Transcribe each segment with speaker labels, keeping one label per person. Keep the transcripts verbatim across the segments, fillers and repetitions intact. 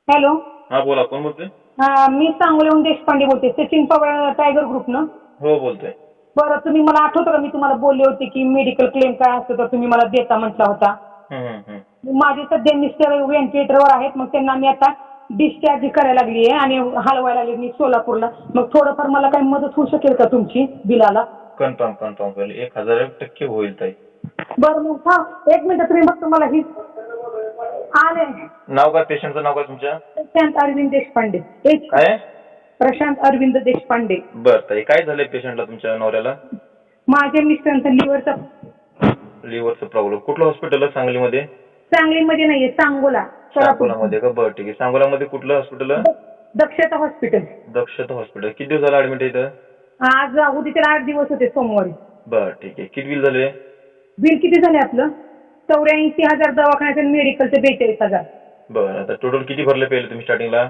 Speaker 1: Hello.
Speaker 2: हा बोला, कोण बोलतोय?
Speaker 1: हा, मी सांगोल्याहून देशपांडे बोलते, सचिन पवार टायगर ग्रुप ना?
Speaker 2: हो बोलतोय.
Speaker 1: बरं, तुम्ही मला आठवतं का मी तुम्हाला बोलले होते की मेडिकल क्लेम काय असतं तर तुम्ही मला देता म्हटला होता.
Speaker 2: हम्म, हम्म, हम्म.
Speaker 1: माझे सध्या मिस्टर व्हेंटिलेटरवर आहेत, मग त्यांना मी आता डिस्चार्ज करायला लागली आहे आणि हलवायला लागली मी सोलापूरला. मग थोडंफार मला काही मदत होऊ शकेल का तुमची बिलाला?
Speaker 2: कन्फर्म कन्फर्म होईल, एक हजार एक टक्के होईल ताई.
Speaker 1: बरं मग हा, एक मिनिट तुम्ही बघतो मला ही आले.
Speaker 2: नाव काय पेशंटचं नाव काय तुमच्या?
Speaker 1: प्रशांत अरविंद देशपांडे. एच
Speaker 2: काय?
Speaker 1: प्रशांत अरविंद देशपांडे.
Speaker 2: बर ताई, काय झालंय पेशंटला तुमच्या नवऱ्याला?
Speaker 1: माझ्या मिस्टरांचा लिव्हरचा
Speaker 2: लिव्हरचा प्रॉब्लेम. कुठलं हॉस्पिटल आहे सांगलीमध्ये?
Speaker 1: सांगलीमध्ये नाहीये, सांगोला सोलापूर.
Speaker 2: सांगोलामध्ये का? बरं ठीक आहे. सांगोलामध्ये कुठलं हॉस्पिटल आहे?
Speaker 1: दक्षता हॉस्पिटल.
Speaker 2: दक्षता हॉस्पिटल. किती दिवस झाला ऍडमिट आहे इथं?
Speaker 1: आज उद्याच्याला आठ दिवस होते सोमवारी.
Speaker 2: बरं ठीक आहे. किती बिल झाले?
Speaker 1: बिल किती झाले आपलं? चौऱ्याऐंशी हजार दवाखान्याचं, मेडिकलचं बेचाळीस हजार.
Speaker 2: बरं, आता टोटल किती भरले पहिले तुम्ही स्टार्टिंगला?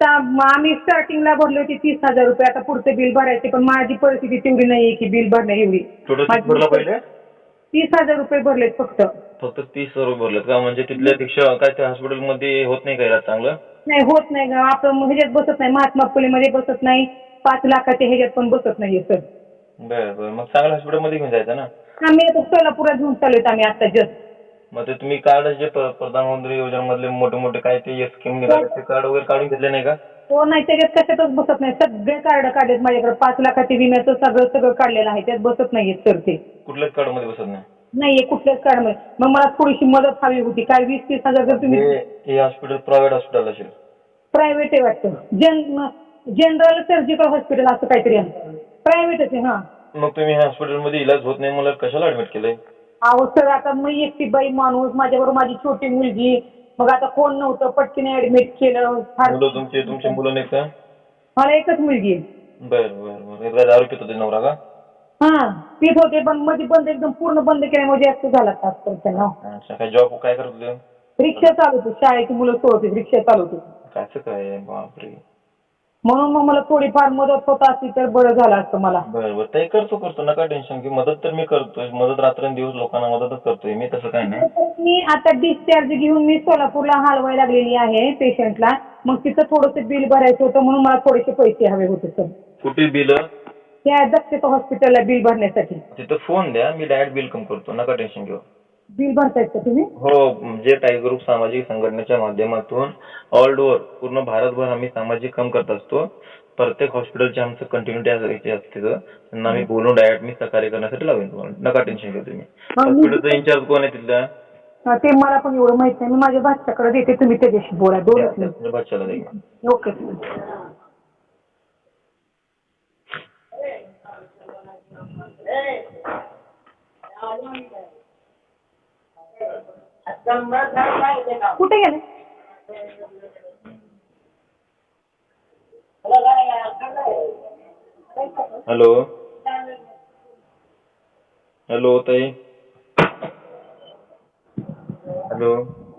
Speaker 1: आम्ही स्टार्टिंगला भरले होते तीस हजार रुपये. आता पुढचे बिल भरायचे, पण माझी परिस्थिती तेवढी नाहीये की बिल भरण्या एवढी.
Speaker 2: टोटल किती भरला पहिले?
Speaker 1: तीस हजार रुपये भरलेत फक्त.
Speaker 2: फक्त तीस हजार रुपये भरलेत का? म्हणजे तिथल्या पेक्षा काय त्या हॉस्पिटलमध्ये होत नाही का इलाज चांगलं?
Speaker 1: नाही होत नाही का, आपण ह्याच्यात बसत नाही, महात्मा फुलेमध्ये बसत नाही, पाच लाखाच्या ह्याच्यात पण बसत नाहीये सर.
Speaker 2: बरं बरं, मग चांगल्या हॉस्पिटलमध्ये घेऊन जायचं ना.
Speaker 1: आम्ही आता सोलापुरात घेऊन चाललोय आम्ही आता जस्ट.
Speaker 2: मग ते तुम्ही कार्ड जे प- प्रधानमंत्री योजनेमधले मोठे मोठे काय ते स्कीम निघाले ते कार्ड वगैरे काढून घेतले नाही का?
Speaker 1: हो नाही, त्याच्यात कशातच बसत नाही. सगळे कार्ड काढलेत माझ्याकडे, पाच लाखाचे विम्याचं सगळं सगळं काढलेलं आहे, त्यात बसत नाहीयेत सर ते.
Speaker 2: कुठल्याच कार्ड मध्ये बसत नाही?
Speaker 1: नाहीये कुठल्याच कार्डमध्ये. मग मला थोडीशी मदत हवी होती. काय वीस तीस हजार जर तुम्ही.
Speaker 2: हे हे हॉस्पिटल प्रायव्हेट हॉस्पिटल असेल?
Speaker 1: प्रायव्हेट आहे वाटतं. जन जनरल सर्जिकल हॉस्पिटल असं काहीतरी आहे. प्रायव्हेटच आहे. हां.
Speaker 2: मग तुम्ही ह्या हॉस्पिटलमध्ये इलाज होत नाही मला कशाला ऍडमिट केलंय?
Speaker 1: अहो सर, आता मी एकटी बाई माणूस, माझ्याबरोबर माझी छोटी मुलगी, मग आता कोण नव्हतं, पटकीने ऍडमिट केलं. फार
Speaker 2: मुलं तुमचे तुमचे मुलं नाही का?
Speaker 1: मला एकच मुलगी आहे.
Speaker 2: बरं बरं बरं. एकदा दारू पित होते नवरा का?
Speaker 1: हां पीत होते, पण मध्ये बंद, एकदम पूर्ण बंद केल्यामुळे जास्त झाला त्रास तर त्यांना.
Speaker 2: अच्छा, काय जॉब काय करत होते?
Speaker 1: रिक्षा चालवते, शाळेची मुलं सोडते, रिक्षा चालवते.
Speaker 2: कसं काय? बापरे.
Speaker 1: म्हणून मग मला थोडीफार मदत होत असती तर बरं झालं असतं मला.
Speaker 2: बरं बरं ताई, करतो करतो, नका टेन्शन घेऊ. मदत तर मी करतोय, मदत रात्रंदिवस लोकांना मदतच करतोय मी, तसं काय नाही.
Speaker 1: मी आता डिस्चार्ज घेऊन मी सोलापूरला हलवायला लागलेली आहे पेशंटला. मग तिथं थोडंसं बिल भरायचं होतं, म्हणून मला थोडेसे पैसे हवे होते सर.
Speaker 2: कुठे बिल?
Speaker 1: त्या दक्षता हॉस्पिटलला बिल भरण्यासाठी.
Speaker 2: तिथं फोन द्या, मी डायरेक्ट बिल कम करतो, नका टेन्शन घेऊ.
Speaker 1: बिल भरतायत का तुम्ही?
Speaker 2: हो, जे टायगर ग्रुप सामाजिक संघटनेच्या माध्यमातून ऑल ओव्हर पूर्ण भारतभर आम्ही सामाजिक काम करत असतो. प्रत्येक हॉस्पिटलचे आमचं कंटिन्युटी असते, त्यांना आम्ही बोलून डायरेक्ट मी सहकार्य करण्यासाठी लावेन तुम्हाला, नका टेन्शन घेऊ तुम्ही. हॉस्पिटलचा इंचार्ज कोण आहे तिथला?
Speaker 1: हा, ते मला पण एवढं माहित नाही. मी माझ्या बाच्याकडे देते, तुम्ही त्याच्याशी बोला. दोनच मिनिट.
Speaker 2: बच्चाला द्या.
Speaker 1: ओके. कुठे गेले?
Speaker 2: हॅलो हॅलो ताई, हॅलो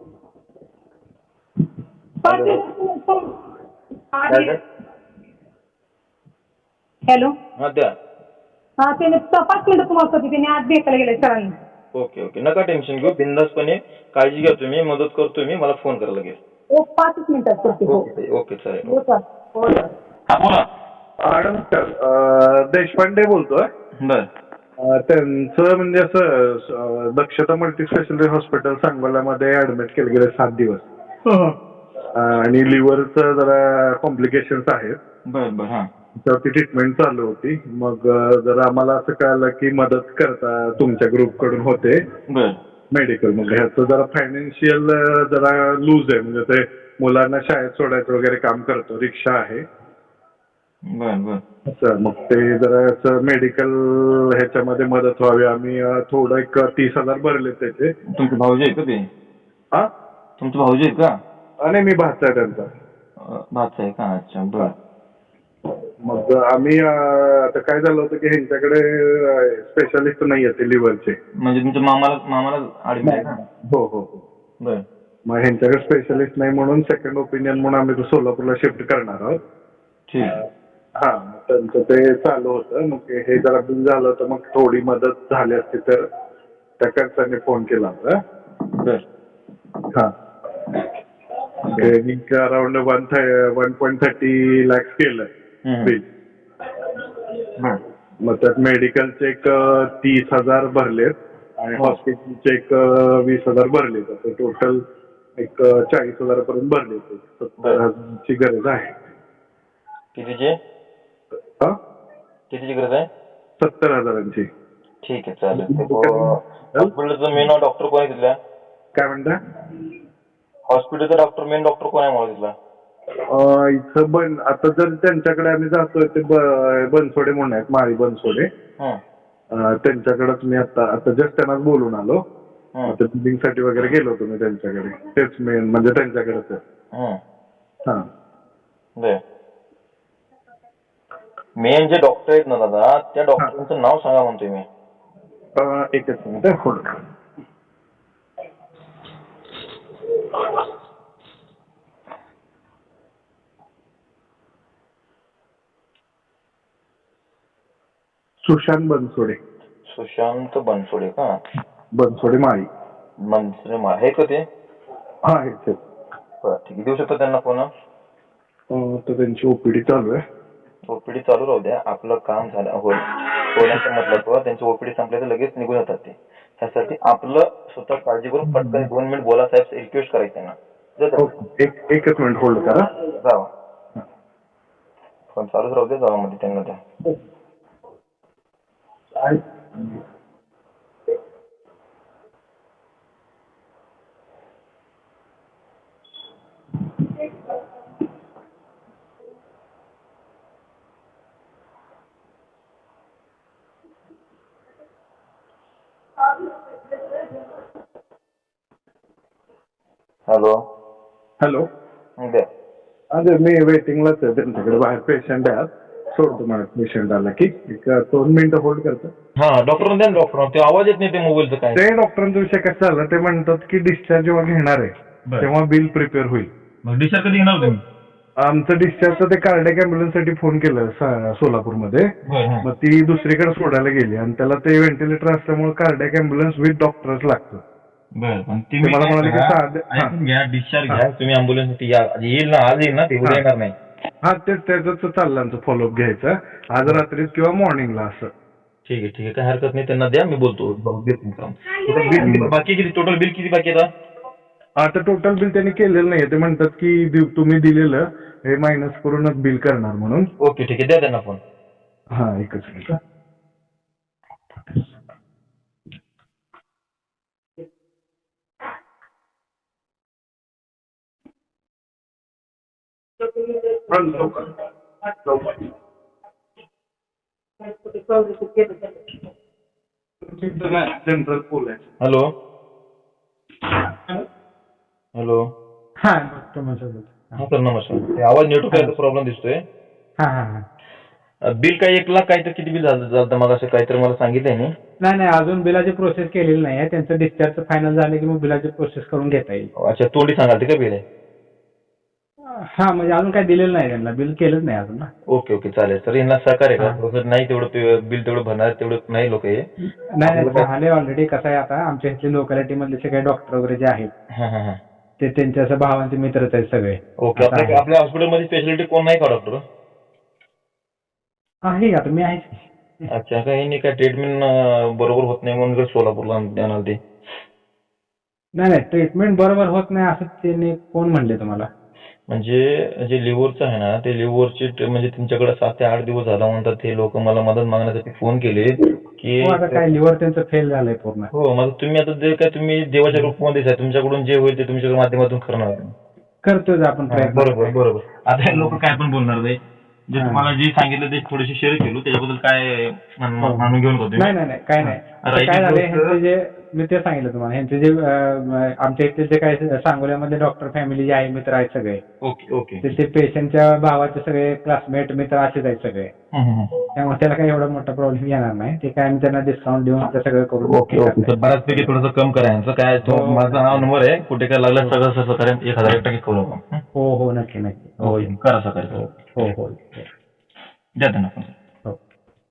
Speaker 1: हॅलो.
Speaker 2: हा द्या.
Speaker 1: हा, त्याने पाच मिनिटं तुम्हाला होती, त्याने आज भेटायला गेले सरांनी.
Speaker 2: ओके ओके, नका टेन्शन घेऊ, बिंदासपणे काळजी घ्या तुम्ही, मदत करतोय मी, मला फोन करा लगेच.
Speaker 1: हो, पाचच मिनिटात करते. हो
Speaker 2: ओके ओके चालेल.
Speaker 1: हो सर. हो सर.
Speaker 2: हा बोला.
Speaker 3: नमस्कार, देशपांडे बोलतोय.
Speaker 2: बर.
Speaker 3: त्यांचं म्हणजे असं दक्षता मल्टी स्पेशालिटी हॉस्पिटल सांगोल्यामध्ये ऍडमिट केले गेले सात दिवस आणि लिव्हरचं जरा कॉम्प्लिकेशन्स आहेत.
Speaker 2: बर बर. हा,
Speaker 3: त्यावरती ट्रीटमेंट चालू होती. मग जरा आम्हाला असं कळलं की मदत करता तुमच्या ग्रुप कडून होते
Speaker 2: बर
Speaker 3: मेडिकल. मग ह्याचं जरा फायनान्शियल जरा लूज आहे, म्हणजे ते मुलांना शाळेत सोडायचं वगैरे काम करतो, रिक्षा आहे.
Speaker 2: बर बर.
Speaker 3: असं मग ते जरा मेडिकल ह्याच्यामध्ये मदत व्हावी, आम्ही थोडं एक तीस हजार भरले त्याचे.
Speaker 2: तुमचे भाऊजी आहेत का ते?
Speaker 3: हा,
Speaker 2: तुमचे भाऊजी आहेत का?
Speaker 3: आणि मी भाचा आहे त्यांचा.
Speaker 2: भाचा आहे का? अच्छा बर.
Speaker 3: मग आम्ही आता काय झालं होतं की ह्यांच्याकडे स्पेशालिस्ट नाही आहेत लिव्हरचे.
Speaker 2: म्हणजे तुमच्या मामाला मामाला ऍडमिट आहे का?
Speaker 3: हो हो हो.
Speaker 2: बर.
Speaker 3: मग ह्यांच्याकडे स्पेशालिस्ट नाही म्हणून सेकंड ओपिनियन म्हणून आम्ही तो सोलापूरला शिफ्ट करणार आहोत.
Speaker 2: ठीक.
Speaker 3: हा, त्यांचं ते चालू होतं. मग हे जरा बिल झालं होतं, मग थोडी मदत झाली असती तर त्या खर्चाने फोन केला होता.
Speaker 2: बर.
Speaker 3: हा, त्यांनी around one one point thirty lakhs केलं
Speaker 2: हम्म.
Speaker 3: बिल.
Speaker 2: हम्म.
Speaker 3: मग त्यात मेडिकल चेक तीस हजार भरलेत आणि
Speaker 2: हो.
Speaker 3: हॉस्पिटल चेक वीस हजार भरलेत. असं टोटल एक चाळीस हजारापर्यंत भरलेत. सत्तर हजाराची गरज आहे.
Speaker 2: कितीची
Speaker 3: हा
Speaker 2: कितीची गरज आहे?
Speaker 3: सत्तर हजारांची.
Speaker 2: ठीक आहे चालेल. हॉस्पिटलचं मेन डॉक्टर कोण आहे तिथल्या?
Speaker 3: काय म्हणता?
Speaker 2: हॉस्पिटलचा डॉक्टर मेन डॉक्टर कोण आहे मला तिथला?
Speaker 3: अं, इथं बन आता जर त्यांच्याकडे आम्ही जातोय ते ब- बनसोडे म्हणून आहेत, माळी बनसोडे.
Speaker 2: हम्म.
Speaker 3: अं, त्यांच्याकडेच मी आता आता जस्ट त्यांनाच बोलून आलो.
Speaker 2: हम्म.
Speaker 3: आता बिलिंग साठी वगैरे गेलो होतो मी त्यांच्याकडे. तेच मेन म्हणजे त्यांच्याकडेच आहे.
Speaker 2: हम्म.
Speaker 3: हा.
Speaker 2: बर. मेन जे डॉक्टर आहेत ना दादा, त्या डॉक्टरांचं नाव सांगा म्हणतोय मी.
Speaker 3: अं, एकच मिनिट होल्ड करा. सुशांत बनसोडे.
Speaker 2: सुशांत बनसोडे का?
Speaker 3: बनसोडे माळी.
Speaker 2: मनसरे मा हे का ते?
Speaker 3: हा हेच आहेत.
Speaker 2: बरं ठीक आहे. देऊ शकतो त्यांना फोन?
Speaker 3: अं, तर त्यांची ओपीडी चालू आहे.
Speaker 2: ओपीडी चालू राहू द्या. आपलं काम झालं होईल होण्याचं मतलब त्यांची ओपीडी संपली तर लगेच निघून जातात ते. त्यासाठी आपलं स्वतः काळजी करून पटकन दोन मिनिट बोला साहेब, रिक्वेस्ट करायची त्यांना.
Speaker 3: ओके. एक एकच मिनिट होल्ड करा.
Speaker 2: जावा. फोन चालूच राहू द्या जावा मध्ये त्यांना द्या. हॅलो.
Speaker 3: हॅलो.
Speaker 2: द्या.
Speaker 3: अरे मी वेटिंगलाच आहे त्यांच्याकडे, बाहेर पेशंट आहे. सोडतो मला पेशंट आला की एक दोन मिनिटं होल्ड करतो.
Speaker 2: हा डॉक्टर द्या डॉक्टर. ते आवाज येत नाही ते मोबाईलचं काय?
Speaker 3: ते डॉक्टरांचा विषय कसा झाला ते म्हणतात की डिस्चार्ज जेव्हा घेणार आहे तेव्हा बिल प्रिपेअर होईल.
Speaker 2: मग डिस्चार्ज कधी घेणार तुम्ही?
Speaker 3: आमचं डिस्चार्जचं ते कार्डियक अँब्युलन्स साठी फोन केलं सा- सोलापूरमध्ये. मग ती दुसरीकडे सोडायला गेली आणि त्याला ते व्हेंटिलेटर असल्यामुळे कार्डियक अँब्युलन्स विथ डॉक्टरच लागतं.
Speaker 2: बरं पण
Speaker 3: ते मला म्हणाले की साधे हा.
Speaker 2: घ्या डिस्चार्ज घ्या तुम्ही अँब्युलन्स येईल ना, आज येईल ना ते, उद्या येणार नाही.
Speaker 3: हा तेच त्याच चाललं आमचं फॉलोअप घ्यायचं आज रात्रीत किंवा मॉर्निंगला असं.
Speaker 2: ठीक आहे ठीक आहे काय हरकत नाही. त्यांना द्या मी बोलतो. बिल बाकी किती टोटल बिल किती बाकी आहे?
Speaker 3: आता टोटल बिल त्यांनी केलेलं नाहीये. ते म्हणतात की दि- तुम्ही दिलेलं हे मायनस करूनच बिल करणार म्हणून.
Speaker 2: ओके ठीक आहे द्या त्यांना फोन.
Speaker 3: हा एकच मिनिट. जनरल पोल आहे.
Speaker 2: Hello hello.
Speaker 4: हा डॉक्टर म्हणतो.
Speaker 2: हा सर नमस्कार. ते आवाज नेटवर्क प्रॉब्लेम दिसतोय.
Speaker 4: हा हा हा.
Speaker 2: बिल काय एक लाख काय तर किती बिल झालं झालं मग असं काहीतरी मला सांगितलंय नाही.
Speaker 4: नाही नाही अजून बिलाची प्रोसेस केलेली नाही आहे. त्यांचं डिस्चार्ज फायनल झालं की मग बिलाची प्रोसेस करून घेता येईल.
Speaker 2: अच्छा तोंडी सांगाल ते का बिल आहे?
Speaker 4: हा म्हणजे अजून काही दिलेलं नाही त्यांना, बिल केलंच नाही अजून ना.
Speaker 2: ओके ओके चालेल सर. यांना सहकार्य का थोडंसं नाही तेवढं बिल तेवढं भरणार तेवढं नाही लोक हे.
Speaker 4: नाही नाही झाले ऑलरेडी. कसं आहे आता आमच्या इथले लोकॅलिटी मधले सगळे डॉक्टर वगैरे जे आहेत
Speaker 2: हा हा हा.
Speaker 4: ते त्यांच्या असं भावांचे मित्रच आहेत सगळे.
Speaker 2: ओके. आपल्या आपल्या हॉस्पिटलमध्ये स्पेशालिटी कोण नाही का डॉक्टर?
Speaker 4: आहे आता मी आहे.
Speaker 2: अच्छा काही नाही काय ट्रीटमेंट बरोबर होत नाही म्हणून सोलापूरला आणणार ते?
Speaker 4: नाही नाही ट्रीटमेंट बरोबर होत नाही असं त्यांनी कोण म्हणले तुम्हाला?
Speaker 2: म्हणजे जे लिव्हरचं आहे ना ते लिव्हरची म्हणजे तुमच्याकडे सात ते आठ दिवस झाला म्हणतात ते लोक मला मदत मागण्यासाठी फोन केले की
Speaker 4: हो आता काय लिव्हर त्यांचं फेल झालंय पूर्ण.
Speaker 2: हो मग तुम्ही आता जे काय तुम्ही देवाच्या रूपामध्येच आहे, तुमच्याकडून जे होईल ते तुमच्या माध्यमातून करणार.
Speaker 4: करतोय आपण प्रयत्न.
Speaker 2: बरोबर बरोबर. आता लोक काय पण बोलणार नाही. जे तुम्हाला जे सांगितलं ते थोडेसे शेअर केलो त्याच्याबद्दल काय मानून घेऊन होतो.
Speaker 4: नाही नाही नाही काय नाही. आता काय झालंय ह्यांचे जे मी ते सांगितलं तुम्हाला ह्यांचे जे आमच्या इथे जे काय सांगोल्यामध्ये डॉक्टर फॅमिली जे आहे मित्र आहेत सगळे.
Speaker 2: Okay okay.
Speaker 4: ते पेशंटच्या भावाचे सगळे क्लासमेट मित्र असेच आहेत सगळे. त्यामुळे त्याला काही एवढा मोठा प्रॉब्लेम येणार नाही. ते काय आम्ही त्यांना डिस्काउंट देऊन ते सगळं करून.
Speaker 2: Okay okay. बऱ्याचपैकी थोडंसं कम करायचं काय माझा नाव नंबर आहे कुठे काय लागलं सगळं सगळं करेन एक हजार एक टक्के करू आपण.
Speaker 4: हो हो नक्की नक्की.
Speaker 2: हो करा सकाळी.
Speaker 4: हो हो
Speaker 2: द्या त्यांना फोन.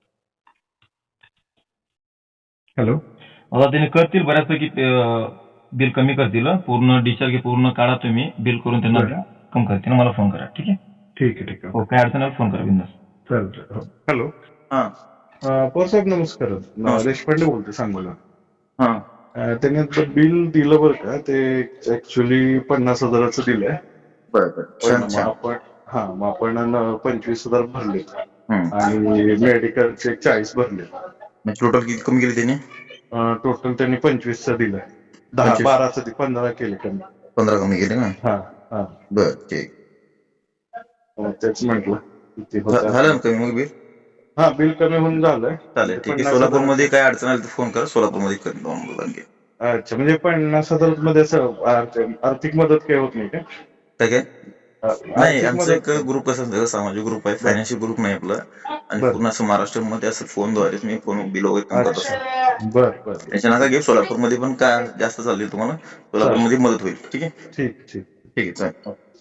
Speaker 3: हॅलो.
Speaker 2: आता त्यांनी करतील बऱ्याचपैकी बिल कमी करतील. पूर्ण डिस्चार्ज पूर्ण काढा तुम्ही, बिल करून त्यांना कम करतील. मला फोन करा. ठीक आहे.
Speaker 3: ठीक आहे ठीक आहे.
Speaker 2: हो, काय अडचण आली फोन करा बिंदास.
Speaker 3: चालतंय. हॅलो
Speaker 2: हा
Speaker 3: पवार साहेब नमस्कार.
Speaker 2: नमस्कार.
Speaker 3: देशपांडे बोलते सांगोला.
Speaker 2: हा
Speaker 3: अं, त्यांनी आता बिल दिलं बरं का, ते ऍक्च्युली पन्नास हजाराचं दिलंय.
Speaker 2: बरं बरं
Speaker 3: पण
Speaker 2: छान
Speaker 3: मग
Speaker 2: छान.
Speaker 3: आपण हा मग आपण न- पंचवीस हजार भरले
Speaker 2: हम्म.
Speaker 3: आणि मेडिकलचे चाळीस भरले.
Speaker 2: टोटल किती कमी केली त्यांनी?
Speaker 3: टोटल त्यांनी पंचवीसचं दिलंय. दहा
Speaker 2: पंचवीस.
Speaker 3: बाराचं दि- पंधरा केले कमी.
Speaker 2: पंधरा कमी केले ना?
Speaker 3: हा हा
Speaker 2: बर ठीक.
Speaker 3: मग तेच म्हटलं किती
Speaker 2: झा-
Speaker 3: होतं.
Speaker 2: झालं ना कमी मग बिल?
Speaker 3: हा बिल कमी होऊन झालंय.
Speaker 2: चालेल ठीक आहे.
Speaker 3: पन्नास
Speaker 2: सोलापूर
Speaker 3: हजार-
Speaker 2: मध्ये काय अडचण आली तर फोन करा. सोलापूर मध्ये कर दोन मुलांचे.
Speaker 3: अच्छा म्हणजे पन्नास हजार मध्ये असं आर्थ- आर्थिक मदत काही होत नाही का?
Speaker 2: काय काय
Speaker 3: अ,
Speaker 2: नाही,
Speaker 3: आर्थिक
Speaker 2: आमचं एक
Speaker 3: मदत-
Speaker 2: ग्रुप कसं असतं, सामाजिक ग्रुप आहे, फायनान्शियल ग्रुप नाही आपलं. आणि
Speaker 3: बरं.
Speaker 2: पूर्ण असं महाराष्ट्रामध्ये असं फोनद्वारेच मी फोन बिल वगैरे काम करत असतो.
Speaker 3: अच्छा बर बर
Speaker 2: त्याच्या नका घेऊ. सोलापूरमध्ये पण काय जास्त चालली तुम्हाला, सोलापूरमध्ये मदत होईल. ठीक आहे.
Speaker 3: ठीक ठीक.
Speaker 2: ठीक आहे चालेल.